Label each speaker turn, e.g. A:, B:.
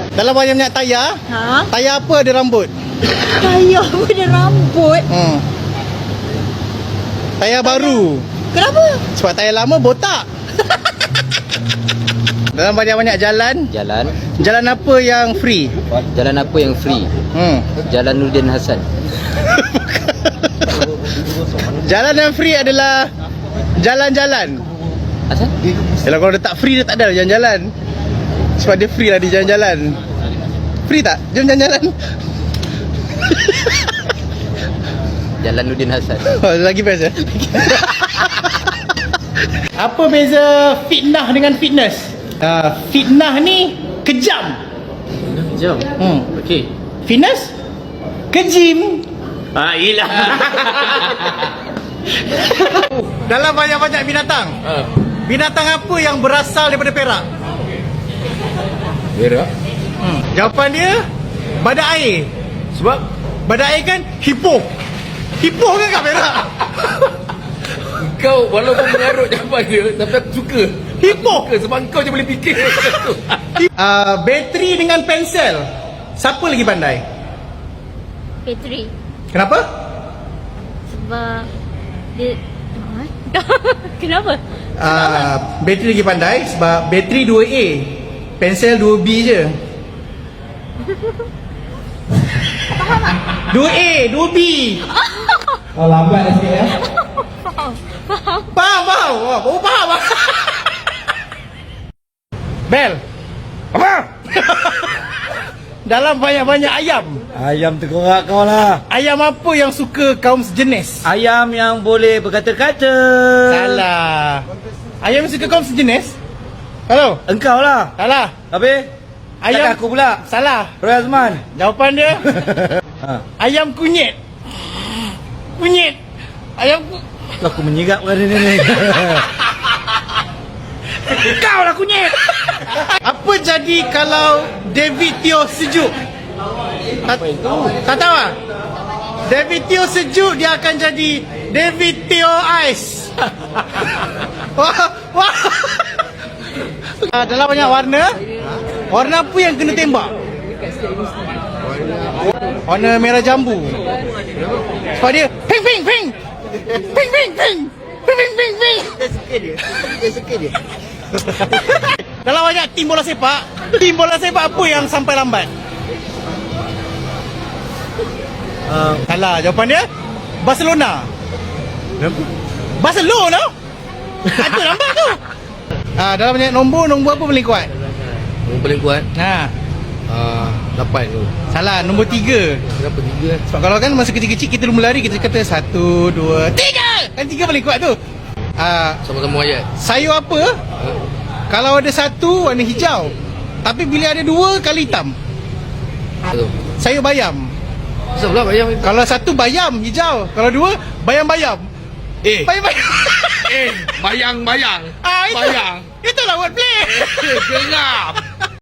A: Dalam banyak tayar.
B: Ha?
A: Tayar apa ada rambut?
B: Tayar pada rambut.
A: Tayar baru.
B: Kenapa?
A: Sebab tayar lama botak. Dalam banyak jalan. Jalan apa yang free?
C: Jalan apa yang free? Jalan Nurdin Hassan.
A: Jalan yang free adalah jalan-jalan.
C: Asal?
A: Yalah, kalau dia tak free, dia tak ada jalan-jalan. Sebab dia free lah di jalan-jalan. Free tak? Jom jalan-jalan.
C: Jalan Nurdin Hassan.
A: Oh, lagi best ya? Apa beza fitnah dengan fitness? Fitnah ni kejam.
C: Jom. Okey.
A: Fitness kejim.
C: Yelah.
A: Dalam banyak-banyak binatang, binatang apa yang berasal daripada Perak?
C: Berak.
A: Jawapan dia badak air.
C: Sebab
A: Badak air kan hippo. Hippo kan kat Perak.
C: kau walaupun mengarut jawapan dia, tapi aku suka.
A: Hippo.
C: Aku suka sebab kau je boleh fikir.
A: Bateri dengan pensel, siapa lagi pandai?
B: Petri.
A: Kenapa?
B: Sebab dia Kenapa?
A: Bateri lagi pandai sebab bateri 2A, pensel 2B je. 2A, 2B. Lambat dah sikit ya. Faham. Oh, faham. Bel. Apa? Dalam banyak-banyak ayam,
D: Ayam terkorak kau lah.
A: ayam apa yang suka kaum sejenis?
D: Ayam yang boleh berkata-kata.
A: Salah. Ayam yang suka kaum sejenis? Halo?
D: Engkau lah.
A: Salah.
D: Habis?
A: Ayam
D: Takkan aku pula.
A: Salah.
D: Roy Azman.
A: Jawapan dia ayam kunyit. Ayam
D: Aku menyigap pada ni.
A: kau lah kunyit. Apa jadi kalau David Teo sejuk? Tak tahu ah? David Teo sejuk, dia akan jadi David Teo Ice. Wah. Dalam banyak warna, warna apa yang kena tembak? Warna merah jambu. Sebab dia ping. Dia suka dia. Dalam banyak tim bola sepak apa yang sampai lambat? Salah, jawapan dia Barcelona. Barcelona? Itu lambat tu. Dalam banyak nombor apa paling kuat?
C: Yang paling kuat 8 tu.
A: Salah, nombor 3.
C: Kenapa 3?
A: Sebab kalau kan masa kecil-kecil kita lumba lari, kita kata 1, 2, 3. Kan 3 paling kuat tu.
C: Sama-sama ayat.
A: Sayur apa kalau ada satu warna hijau, tapi bila ada 2 kali hitam?
C: Betul.
A: Sayur bayam.
C: Kenapa pula bayam?
A: Kalau satu bayam hijau, kalau 2 bayam-bayam. Bayam-bayam.
C: Bayang.
A: Itulah wordplay.
C: Geram.